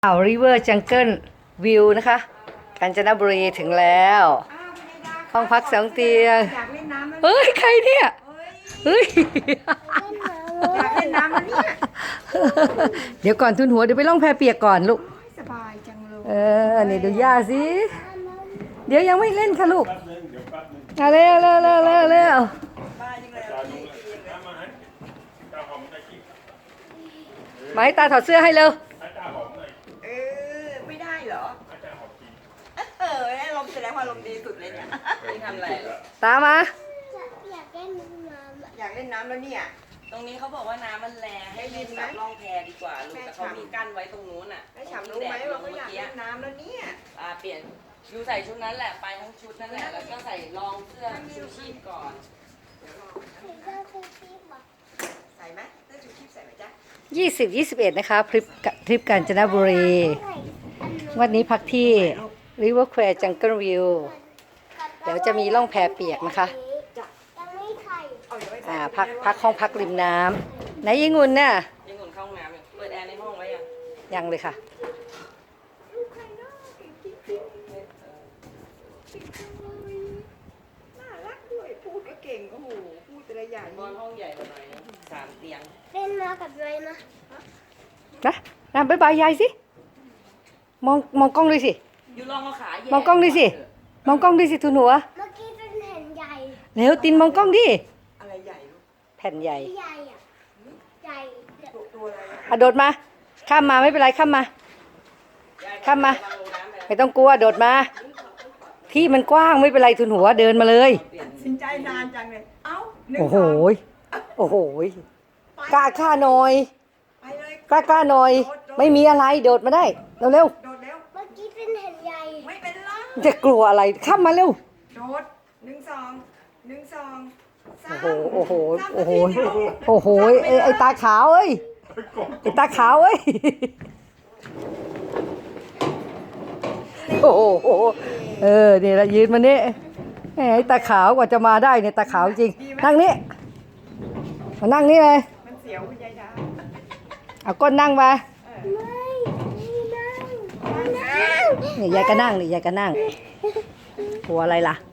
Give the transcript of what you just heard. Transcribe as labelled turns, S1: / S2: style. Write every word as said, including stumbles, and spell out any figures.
S1: อ่าวริเวอร์จังเกิลวิวนะคะกาญจนบุรีถึงแล้วห้องพักสองเตียงเฮ้ยใครเนี่ยเฮ้ย
S2: อยากเล่นน้ำแล้วเนี่ย
S1: เดี๋ยวก่อนทุนหัวเดี๋ยวไปล่องแพเปียกก่อนลูก
S2: สบายจังเลย
S1: เออนี่ดูย่าสิเดี๋ยวยังไม่เล่นค่ะลูกมาเร็วเร็วเร็วเร็วเร็วมาให้ตาถอดเสื้อให้เร็ว
S2: เออไม่ได้เหรอเออลมแสดงว่าลมดีสุดเลยเนี่ยนี่ทำอะไร
S1: ตามา
S3: อยากเล่นน้ำ
S2: อยากเล่นน้ำแล้วเนี่ย
S4: ตรงนี้เขาบอกว่าน้ำมันแรงให้เล่นแบบล่องแพดีกว่าลูกแต่เขามีกั้นไว้ตรงนู้นอ่ะ
S2: แม่ฉ่ำรู้ไหมว่าเขาอยากเล่นน้ำแล้วเนี่ย
S4: อ่าเปลี่ยนยูใส่ชุดนั้นแหละไปทั้งชุดนั่นแหละแล้วก็ใส่รองเสื้อชูชีพก่อน
S2: ใส่ไหมเสื้อชูชีพใส่ไหมจ๊ะ
S1: ยี่สิบยี่สิบเอ็ดนะคะทริปทริปกาญจนบุรีวันนี้พักที่ River Square Jungle View เดี๋ยวจะมีล่องแพเปียกนะคะอ่าพักพักห้องพักริมน้ำไหนยิงุ่นน่ะ
S4: ยิงอุ่นเข้าห้องน้ำอยู่เปิดแอร์ในห้องไว้ยัง
S1: ยังเลยค่ะ
S2: น่ารักด้วยพูดก็เก่งโอ้โหพูดแต่ละอย่าง
S4: นอนห้องใหญ่กว่าหน่อยสามเตียง
S3: เล่นมากับเลยนะ
S1: นะนะบ๊ายบายยายสิมองมองกล้องด้วยสิ
S4: ยูลองเอาขาแย่
S1: มองกล้องด้วยสิมองกล้องด้วยสิทุนหัว
S3: เมื่อกี้เป็นแผ่นใหญ่
S1: เร็วตินมองกล้องดิ
S2: อะไรใหญ่ลูก
S1: แผ่นใหญ่
S3: ใหญ่อะใหญ่
S2: ตัวอะไร
S1: อะโดดมาข้ามมาไม่เป็นไรข้ามมาข้ามมาไม่ต้องกลัวโดดมาที่มันกว้างไม่เป็นไรทุนหัวเดินมาเลย
S2: สินใจนานจังเลยเอ้า
S1: โอ้โหโอ้โหกล้าข้าหน่อย
S2: ไปเลย
S1: กล้ากล้าหน่อยไม่มีอะไรโดดมาได้เร็วเร็ว
S2: โดดเร็ว
S3: เมื่อกี้เป็นแผ่นใหญ่
S2: ไม่เป็นไร
S1: จะกลัวอะไรข้ามมาเร็ว
S2: โดดหนึ่งสองหนึ่งสองสาม
S1: โอ้โหโอ้โหโอ้โหโอ้โหไอ้ไอ้ตาขาวเอ้ยไอ้ตาขาวเอ้ยโอ้โหเออนี่ละยืนมานี่ไอ้ตาขาวกว่าจะมาได้เนี่ยตาขาวจริงนั่งนี่มานั่งนี่เลย
S2: มันเสียวคุณยายดา
S1: เอาก้นนั่งมา
S3: ไม่ไม่นั่งนั่ง
S1: นี่ยายก็นั่งนี่ยายก็นั่งกลัวอะไรล่ะ